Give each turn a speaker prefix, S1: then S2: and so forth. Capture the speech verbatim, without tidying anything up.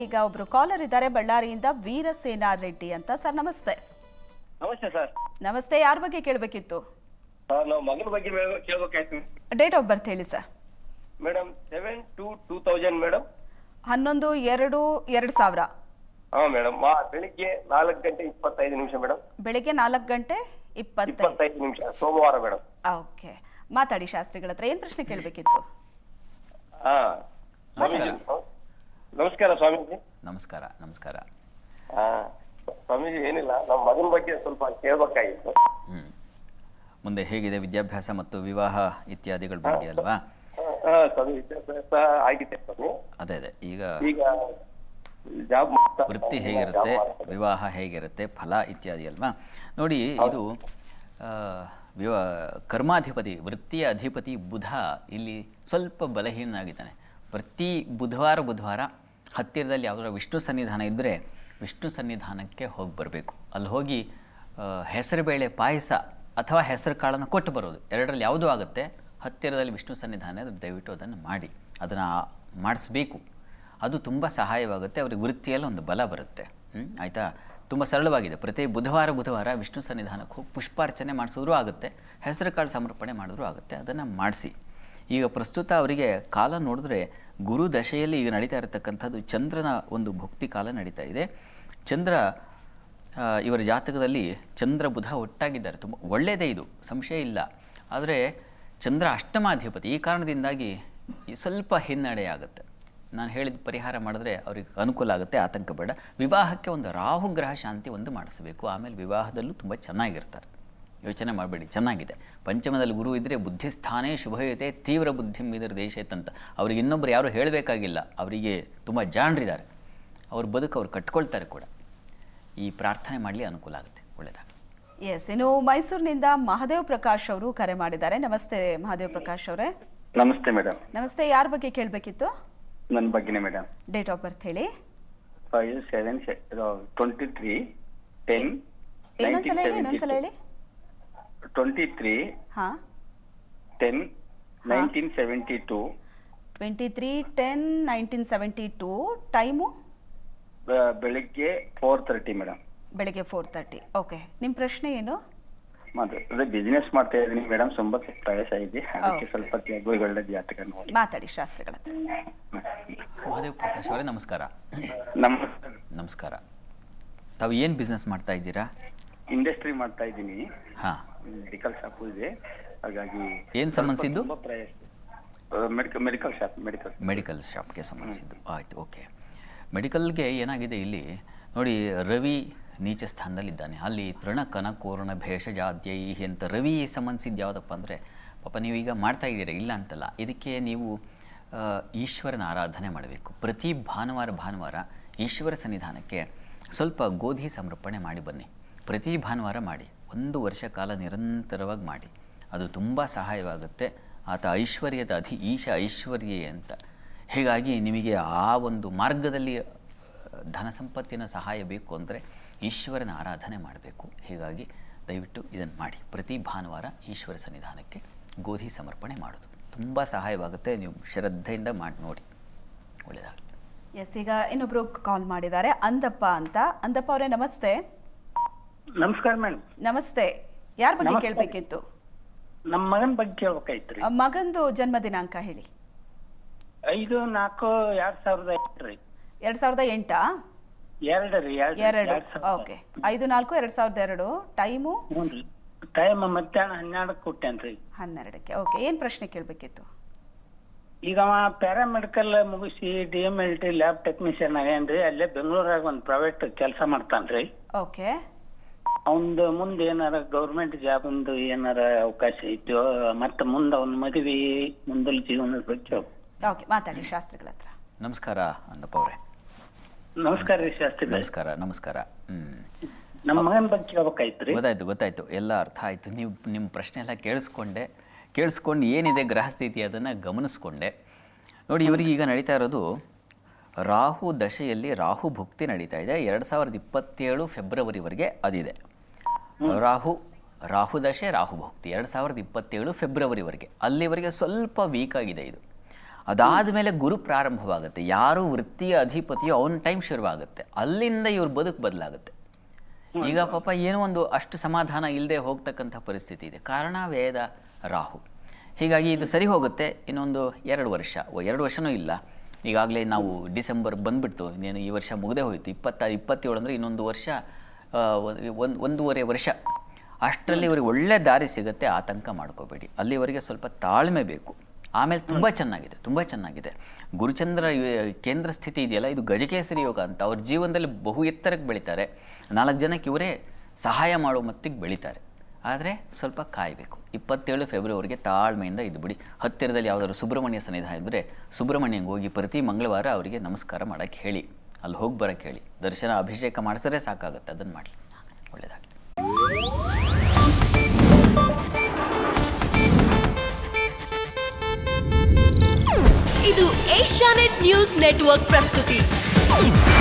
S1: ಈಗ ಒಬ್ರು ಕಾಲರ್ ಇದ್ದಾರೆ ಬಳ್ಳಾರಿಯಿಂದ ವೀರಸೇನಾ ರೆಡ್ಡಿ ಅಂತ. ಸರ್ ನಮಸ್ತೆ.
S2: ನಮಸ್ತೆ ಸರ್.
S1: ನಮಸ್ತೆ. ಯಾರ ಬಗ್ಗೆ ಕೇಳಬೇಕಿತ್ತು?
S2: ಸರ್ ನಾವು ಮಗನ ಬಗ್ಗೆ ಕೇಳಬೇಕಾಯ್ತು.
S1: ಡೇಟ್ ಆಫ್ ಬರ್ತ್ ಹೇಳಿ sir.
S2: Madam seven two two thousand madam.
S1: ಹನ್ನೊಂದು ಎರಡು ಎರಡು ಸಾವಿರ.
S2: ಹಾ ಮೇಡಮ್. ಬೆಳಿಗ್ಗೆ ನಾಲ್ಕು ಗಂಟೆ ಇಪ್ಪತ್ತೈದು ನಿಮಿಷ ಮೇಡಮ್.
S1: ಬೆಳಿಗ್ಗೆ ನಾಲ್ಕು ಗಂಟೆ
S2: ಇಪ್ಪತ್ತೈದು ನಿಮಿಷ ಸೋಮವಾರ ಮೇಡಮ್.
S1: ಓಕೆ, ಮಾತಾಡಿ ಶಾಸ್ತ್ರಿಗಳ ಹತ್ರ. ಏನ್ ಪ್ರಶ್ನೆ ಕೇಳಬೇಕಿತ್ತು?
S2: ಹಾ
S3: ನಮಸ್ಕಾರ.
S2: ನಮಸ್ಕಾರ ಸ್ವಾಮೀಜಿ.
S3: ನಮಸ್ಕಾರ ನಮಸ್ಕಾರ.
S2: ಹಾ ಸ್ವಾಮೀಜಿ, ಏನಿಲ್ಲ, ನಮ್ಮ ಮಗನ ಬಗ್ಗೆ ಸ್ವಲ್ಪ ಕೇಳಬೇಕಾಗಿತ್ತು.
S3: ಹ್ಮ್ ಮುಂದೆ ಹೇಗಿದೆ ವಿದ್ಯಾಭ್ಯಾಸ ಮತ್ತು ವಿವಾಹ ಇತ್ಯಾದಿಗಳ ಬಗ್ಗೆ ಅಲ್ವಾ?
S2: ಹಾ ಸ್ವಾಮಿ, ವಿದ್ಯಾಭ್ಯಾಸ ಆಗಿದೆ ಸ್ವಾಮಿ.
S3: ಅದೇ ಅದೇ ಈಗ
S2: ಈಗ ಜಾಬ್
S3: ವೃತ್ತಿ ಹೇಗಿರುತ್ತೆ, ವಿವಾಹ ಹೇಗಿರುತ್ತೆ, ಫಲ ಇತ್ಯಾದಿ ಅಲ್ವಾ? ನೋಡಿ, ಇದು ವಿವಾ ಕರ್ಮಾಧಿಪತಿ, ವೃತ್ತಿಯ ಅಧಿಪತಿ ಬುಧ ಇಲ್ಲಿ ಸ್ವಲ್ಪ ಬಲಹೀನಾಗಿದ್ದಾನೆ. ಪ್ರತಿ ಬುಧವಾರ ಬುಧವಾರ ಹತ್ತಿರದಲ್ಲಿ ಯಾವುದರ ವಿಷ್ಣು ಸನ್ನಿಧಾನ ಇದ್ದರೆ ವಿಷ್ಣು ಸನ್ನಿಧಾನಕ್ಕೆ ಹೋಗಿ ಬರಬೇಕು. ಅಲ್ಲಿ ಹೋಗಿ ಹೆಸರುಬೇಳೆ ಪಾಯಸ ಅಥವಾ ಹೆಸರು ಕಾಳನ್ನು ಕೊಟ್ಟು ಬರೋದು, ಎರಡರಲ್ಲಿ ಯಾವುದೂ ಆಗುತ್ತೆ. ಹತ್ತಿರದಲ್ಲಿ ವಿಷ್ಣು ಸನ್ನಿಧಾನ ಇದ್ದರೆ ದಯವಿಟ್ಟು ಅದನ್ನು ಮಾಡಿ, ಅದನ್ನು ಮಾಡಿಸ್ಬೇಕು. ಅದು ತುಂಬ ಸಹಾಯವಾಗುತ್ತೆ. ಅವ್ರಿಗೆ ವೃತ್ತಿಯಲ್ಲಿ ಒಂದು ಬಲ ಬರುತ್ತೆ. ಹ್ಞೂ ಆಯಿತಾ? ತುಂಬ ಸರಳವಾಗಿದೆ. ಪ್ರತಿ ಬುಧವಾರ ಬುಧವಾರ ವಿಷ್ಣು ಸನ್ನಿಧಾನಕ್ಕೆ ಹೋಗಿ ಪುಷ್ಪಾರ್ಚನೆ ಮಾಡಿಸಿದ್ರೂ ಆಗುತ್ತೆ, ಹೆಸರು ಕಾಳು ಸಮರ್ಪಣೆ ಮಾಡಿದ್ರೂ ಆಗುತ್ತೆ. ಅದನ್ನು ಮಾಡಿಸಿ. ಈಗ ಪ್ರಸ್ತುತ ಅವರಿಗೆ ಕಾಲ ನೋಡಿದ್ರೆ ಗುರು ದಶೆಯಲ್ಲಿ ಈಗ ನಡೀತಾ ಇರತಕ್ಕಂಥದ್ದು ಚಂದ್ರನ ಒಂದು ಭುಕ್ತಿ ಕಾಲ ನಡೀತಾ ಇದೆ. ಚಂದ್ರ ಇವರ ಜಾತಕದಲ್ಲಿ ಚಂದ್ರ ಬುಧ ಒಟ್ಟಾಗಿದ್ದಾರೆ. ತುಂಬ ಒಳ್ಳೆಯದೇ, ಇದು ಸಂಶಯ ಇಲ್ಲ. ಆದರೆ ಚಂದ್ರ ಅಷ್ಟಮಾಧಿಪತಿ. ಈ ಕಾರಣದಿಂದಾಗಿ ಸ್ವಲ್ಪ ಹಿನ್ನಡೆ ಆಗುತ್ತೆ. ನಾನು ಹೇಳಿದ ಪರಿಹಾರ ಮಾಡಿದ್ರೆ ಅವ್ರಿಗೆ ಅನುಕೂಲ ಆಗುತ್ತೆ, ಆತಂಕ ಬೇಡ. ವಿವಾಹಕ್ಕೆ ಒಂದು ರಾಹುಗ್ರಹ ಶಾಂತಿ ಒಂದು ಮಾಡಿಸಬೇಕು. ಆಮೇಲೆ ವಿವಾಹದಲ್ಲೂ ತುಂಬ ಚೆನ್ನಾಗಿರ್ತಾರೆ. ಯೋಚನೆ ಮಾಡಬೇಡಿ, ಚೆನ್ನಾಗಿದೆ. ಪಂಚಮದಲ್ಲಿ ಗುರು ಇದ್ದರೆ ಬುದ್ಧಿಸ್ಥಾನೇ ಶುಭಯುತೆ ತೀವ್ರ ಬುದ್ಧಿ ಮೀದರ ದೇಶೇತ್ ಅಂತ. ಅವ್ರಿಗೆ ಇನ್ನೊಬ್ಬರು ಯಾರೂ ಹೇಳಬೇಕಾಗಿಲ್ಲ. ಅವರಿಗೆ ತುಂಬ ಜಾಣರಿದ್ದಾರೆ. ಅವ್ರ ಬದುಕು ಅವ್ರು ಕಟ್ಕೊಳ್ತಾರೆ ಕೂಡ. ಈ ಪ್ರಾರ್ಥನೆ ಮಾಡಲಿ, ಅನುಕೂಲ ಆಗುತ್ತೆ. ಒಳ್ಳೆಯದಾಗ.
S1: ಎಸ್, ಇನ್ನು ಮೈಸೂರಿನಿಂದ ಮಹಾದೇವ್ ಪ್ರಕಾಶ್ ಅವರು ಕರೆ ಮಾಡಿದ್ದಾರೆ. ನಮಸ್ತೆ ಮಹಾದೇವ್ ಪ್ರಕಾಶ್ ಅವರೇ.
S2: ನಮಸ್ತೆ ಮೇಡಮ್.
S1: ನಮಸ್ತೆ. ಯಾರ ಬಗ್ಗೆ ಕೇಳಬೇಕಿತ್ತು?
S2: ನನ್ನ ಬಗ್ಗೆನೇ ಮೇಡಮ್.
S1: ಡೇಟ್ ಆಫ್ ಬರ್ತ್ ಹೇಳಿ.
S2: Five seven twenty three ten
S1: ಇನ್ನೊಂದ್ಸಲ ಹೇಳಿ ಇನ್ನೊಂದ್ಸಲ ಹೇಳಿ
S2: ಟ್ವೆಂಟಿ ತ್ರೀ
S1: ಹಾ
S2: ten nineteen seventy two.
S1: Twenty three ten nineteen seventy two. Time
S2: ಬೆಳಿಗ್ಗೆ ಫೋರ್ ತರ್ಟಿ ಮೇಡಮ್.
S1: ಬೆಳಿಗ್ಗೆ ಫೋರ್ ತರ್ಟಿ. ಓಕೆ, ನಿಮ್ಮ ಪ್ರಶ್ನೆ ಏನು?
S2: ಅದೇ ಬಿಸ್ನೆಸ್ ಮಾಡ್ತಾ ಇದ್ದೀನಿ ಮೇಡಮ್. ತುಂಬ ಪ್ರಯಾಸ ಇದೆ, ಅದಕ್ಕೆ ಸ್ವಲ್ಪ ಒಳ್ಳೆ ಜಾತಕ ನೋಡಿ
S1: ಮಾತಾಡಿ ಶಾಸ್ತ್ರಿಗಳ ಹತ್ರ.
S3: ಮಹಾದೇವ್ ಪ್ರಕಾಶ್ ಅವರೇ ನಮಸ್ಕಾರ.
S2: ನಮಸ್ಕಾರ.
S3: ನಮಸ್ಕಾರ. ತಾವು ಏನು ಬಿಸ್ನೆಸ್ ಮಾಡ್ತಾ ಇದ್ದೀರಾ?
S2: ಇಂಡಸ್ಟ್ರಿ ಮಾಡ್ತಾ ಇದ್ದೀನಿ.
S3: ಹಾಂ,
S2: ಮೆಡಿಕಲ್ ಶಾಪು ಇದೆ, ಹಾಗಾಗಿ
S3: ಏನು ಸಂಬಂಧಿಸಿದ್ದು?
S2: Medical medical shop medical
S3: medical ಶಾಪ್ಗೆ ಸಂಬಂಧಿಸಿದ್ದು. ಆಯಿತು, ಓಕೆ. ಮೆಡಿಕಲ್ಗೆ ಏನಾಗಿದೆ ಇಲ್ಲಿ ನೋಡಿ, ರವಿ ನೀಚ ಸ್ಥಾನದಲ್ಲಿದ್ದಾನೆ. ಅಲ್ಲಿ ತೃಣ ಕನ ಕೋರ್ಣ ಭೇಷಜಾದ್ಯೈ ಅಂತ ರವಿ ಸಂಬಂಧಿಸಿದ್ದು ಯಾವುದಪ್ಪ ಅಂದರೆ, ಪಾಪ ನೀವೀಗ ಮಾಡ್ತಾ ಇದ್ದೀರಾ, ಇಲ್ಲ ಅಂತಲ್ಲ. ಇದಕ್ಕೆ ನೀವು ಈಶ್ವರನ ಆರಾಧನೆ ಮಾಡಬೇಕು. ಪ್ರತಿ ಭಾನುವಾರ ಭಾನುವಾರ ಈಶ್ವರ ಸನ್ನಿಧಾನಕ್ಕೆ ಸ್ವಲ್ಪ ಗೋಧಿ ಸಮರ್ಪಣೆ ಮಾಡಿ ಬನ್ನಿ. ಪ್ರತಿ ಭಾನುವಾರ ಮಾಡಿ, ಒಂದು ವರ್ಷ ಕಾಲ ನಿರಂತರವಾಗಿ ಮಾಡಿ. ಅದು ತುಂಬ ಸಹಾಯವಾಗುತ್ತೆ. ಆತ ಐಶ್ವರ್ಯದ ಅಧಿ ಈಶ ಐಶ್ವರ್ಯೇ ಅಂತ. ಹೀಗಾಗಿ ನಿಮಗೆ ಆ ಒಂದು ಮಾರ್ಗದಲ್ಲಿ ಧನ ಸಂಪತ್ತಿನ ಸಹಾಯ ಬೇಕು ಅಂದರೆ ಈಶ್ವರನ ಆರಾಧನೆ ಮಾಡಬೇಕು. ಹೀಗಾಗಿ ದಯವಿಟ್ಟು ಇದನ್ನು ಮಾಡಿ. ಪ್ರತಿ ಭಾನುವಾರ ಈಶ್ವರ ಸನ್ನಿಧಾನಕ್ಕೆ ಗೋಧಿ ಸಮರ್ಪಣೆ ಮಾಡೋದು ತುಂಬ ಸಹಾಯವಾಗುತ್ತೆ. ನೀವು ಶ್ರದ್ಧೆಯಿಂದ ಮಾಡಿ ನೋಡಿ, ಒಳ್ಳೆಯದಾಗಲಿ.
S1: ಎಸ್, ಈಗ ಇನ್ನೊಬ್ರು ಕಾಲ್ ಮಾಡಿದ್ದಾರೆ, ಅಂದಪ್ಪ ಅಂತ. ಅಂದಪ್ಪ ಅವರೇ ನಮಸ್ತೆ.
S4: ನಮಸ್ಕಾರ ಮೇಡಮ್.
S1: ನಮಸ್ತೆ. ಯಾರ ಬಗ್ಗೆ ಕೇಳಬೇಕಿತ್ತು?
S4: ನಮ್ಮ ಮಗನ ಬಗ್ಗೆ ಕೇಳ್ಬೇಕಾಯ್ತ್ರಿ.
S1: ಮಗಂದು ಜನ್ಮ ದಿನಾಂಕ ಹೇಳಿ.
S4: ಐದು ನಾಲ್ಕು ಎರಡ್ ಸಾವಿರದ ಎಂಟ್ರಿ.
S1: ಎರಡ್ ಸಾವಿರದ ಎಂಟಾ?
S4: ಎರಡು ರೀ.
S1: ಎರಡು. ಓಕೆ, ಐದು ನಾಲ್ಕು ಎರಡ್ ಸಾವಿರದ ಎರಡು. ಟೈಮು?
S4: ಹ್ಞೂನ್ರಿ. ಟೈಮ್ ಮಧ್ಯಾಹ್ನ ಹನ್ನೆರಡಕ್ಕೆ ಕೊಟ್ಟೇನ್ರಿ.
S1: ಹನ್ನೆರಡಕ್ಕೆ. ಓಕೆ, ಏನ್ ಪ್ರಶ್ನೆ ಕೇಳಬೇಕಿತ್ತು?
S4: ಈಗ ಅವ ಪ್ಯಾರಾಮೆಡಿಕಲ್ ಮುಗಿಸಿ D M L T lab technician ಆಗೇನ್ರಿ. ಅಲ್ಲೇ ಬೆಂಗಳೂರಾಗ ಒಂದು ಪ್ರೈವೇಟ್ ಕೆಲಸ ಮಾಡ್ತಾನ್ರಿ.
S1: ಓಕೆ.
S4: ಅವಂದು ಮುಂದೆ ಏನಾರ ಗೌರ್ಮೆಂಟ್ ಜಾಬ್ ಒಂದು ಏನಾರ ಅವಕಾಶ ಐತೋ, ಮತ್ತೆ ಮುಂದೆ ಅವನ ಮದುವೆ ಮುಂದಲ ಜೀವನದ ಬಗ್ಗೆ.
S1: ಓಕೆ, ಮಾತಾಡಿ ಶಾಸ್ತ್ರಿಗಳ ಹತ್ರ.
S3: ನಮಸ್ಕಾರ ಅಂದಪ್ಪ ಅವರೇ.
S4: ನಮಸ್ಕಾರ ರೀ ಶಾಸ್ತ್ರಿ.
S3: ನಮಸ್ಕಾರ ನಮಸ್ಕಾರ. ಹ್ಞೂ
S4: ನಮ್ಮ ಮಗನ ಬಗ್ಗೆ ಕೇಳ್ಬೇಕಾಯ್ತ್ರಿ.
S3: ಗೊತ್ತಾಯ್ತು ಗೊತ್ತಾಯ್ತು ಎಲ್ಲ ಅರ್ಥ ಆಯಿತು. ನೀವು ನಿಮ್ಮ ಪ್ರಶ್ನೆ ಎಲ್ಲ ಕೇಳಿಸ್ಕೊಂಡೆ. ಕೇಳಿಸ್ಕೊಂಡು ಏನಿದೆ ಗ್ರಹಸ್ಥಿತಿ ಅದನ್ನು ಗಮನಿಸ್ಕೊಂಡೆ. ನೋಡಿ, ಇವರಿಗೆ ಈಗ ನಡೀತಾ ಇರೋದು ರಾಹು ದಶೆಯಲ್ಲಿ ರಾಹು ಭುಕ್ತಿ ನಡೀತಾ ಇದೆ. ಎರಡು ಸಾವಿರದ ಇಪ್ಪತ್ತೇಳು ಫೆಬ್ರವರಿವರೆಗೆ ಅದಿದೆ. ರಾಹು ರಾಹು ದಶೆ ರಾಹು ಭುಕ್ತಿ ಎರಡು ಸಾವಿರದ ಇಪ್ಪತ್ತೇಳು ಫೆಬ್ರವರಿವರೆಗೆ. ಅಲ್ಲಿವರೆಗೆ ಸ್ವಲ್ಪ ವೀಕ್ ಆಗಿದೆ ಇದು. ಅದಾದ ಮೇಲೆ ಗುರು ಪ್ರಾರಂಭವಾಗುತ್ತೆ. ಯಾರು ವೃತ್ತಿಯ ಅಧಿಪತಿಯೋ ಅವನ ಟೈಮ್ ಶುರುವಾಗುತ್ತೆ. ಅಲ್ಲಿಂದ ಇವ್ರ ಬದುಕು ಬದಲಾಗುತ್ತೆ. ಈಗ ಪಾಪ ಏನೋ ಒಂದು ಅಷ್ಟು ಸಮಾಧಾನ ಇಲ್ಲದೆ ಹೋಗ್ತಕ್ಕಂಥ ಪರಿಸ್ಥಿತಿ ಇದೆ. ಕಾರಣ ವೇದ ರಾಹು. ಹೀಗಾಗಿ ಇದು ಸರಿ ಹೋಗುತ್ತೆ ಇನ್ನೊಂದು ಎರಡು ವರ್ಷ ಎರಡು ವರ್ಷನೂ ಇಲ್ಲ. ಈಗಾಗಲೇ ನಾವು ಡಿಸೆಂಬರ್ ಬಂದುಬಿಡ್ತು, ಇನ್ನೇನು ಈ ವರ್ಷ ಮುಗದೆ ಹೋಯಿತು. ಇಪ್ಪತ್ತ ಇಪ್ಪತ್ತೇಳು ಅಂದರೆ ಇನ್ನೊಂದು ವರ್ಷ, ಒಂದು ಒಂದೂವರೆ ವರ್ಷ. ಅಷ್ಟರಲ್ಲಿ ಇವ್ರಿಗೆ ಒಳ್ಳೆ ದಾರಿ ಸಿಗುತ್ತೆ. ಆತಂಕ ಮಾಡ್ಕೋಬೇಡಿ. ಅಲ್ಲಿವರೆಗೆ ಸ್ವಲ್ಪ ತಾಳ್ಮೆ ಬೇಕು. ಆಮೇಲೆ ತುಂಬ ಚೆನ್ನಾಗಿದೆ, ತುಂಬ ಚೆನ್ನಾಗಿದೆ. ಗುರುಚಂದ್ರ ಕೇಂದ್ರ ಸ್ಥಿತಿ ಇದೆಯಲ್ಲ, ಇದು ಗಜಕೇಸರಿ ಯೋಗ ಅಂತ. ಅವ್ರ ಜೀವನದಲ್ಲಿ ಬಹು ಎತ್ತರಕ್ಕೆ ಬೆಳೀತಾರೆ. ನಾಲ್ಕು ಜನಕ್ಕೆ ಇವರೇ ಸಹಾಯ ಮಾಡೋ ಮಟ್ಟಿಗೆ ಬೆಳೀತಾರೆ. ಆದರೆ ಸ್ವಲ್ಪ ಕಾಯಬೇಕು. ಇಪ್ಪತ್ತೇಳು ಫೆಬ್ರವರಿಗೆ ತಾಳ್ಮೆಯಿಂದ ಇದ್ದುಬಿಡಿ. ಹತ್ತಿರದಲ್ಲಿ ಯಾವುದಾದ್ರು ಸುಬ್ರಹ್ಮಣ್ಯ ಸನ್ನಿಧಾನ ಇದ್ದರೆ ಸುಬ್ರಹ್ಮಣ್ಯಂಗೆ ಹೋಗಿ ಪ್ರತಿ ಮಂಗಳವಾರ ಅವರಿಗೆ ನಮಸ್ಕಾರ ಮಾಡೋಕ್ಕೆ ಹೇಳಿ, ಅಲ್ಲಿ ಹೋಗಿ ಬರೋಕ್ಕೆ ಹೇಳಿ. ದರ್ಶನ ಅಭಿಷೇಕ ಮಾಡಿಸಿದ್ರೆ ಸಾಕಾಗುತ್ತೆ. ಅದನ್ನು ಮಾಡಲಿ, ಒಳ್ಳೆಯದಾಗಲಿ.
S5: ಇದು ಏಷ್ಯಾನೆಟ್ ನ್ಯೂಸ್ ನೆಟ್ವರ್ಕ್ ಪ್ರಸ್ತುತಿ.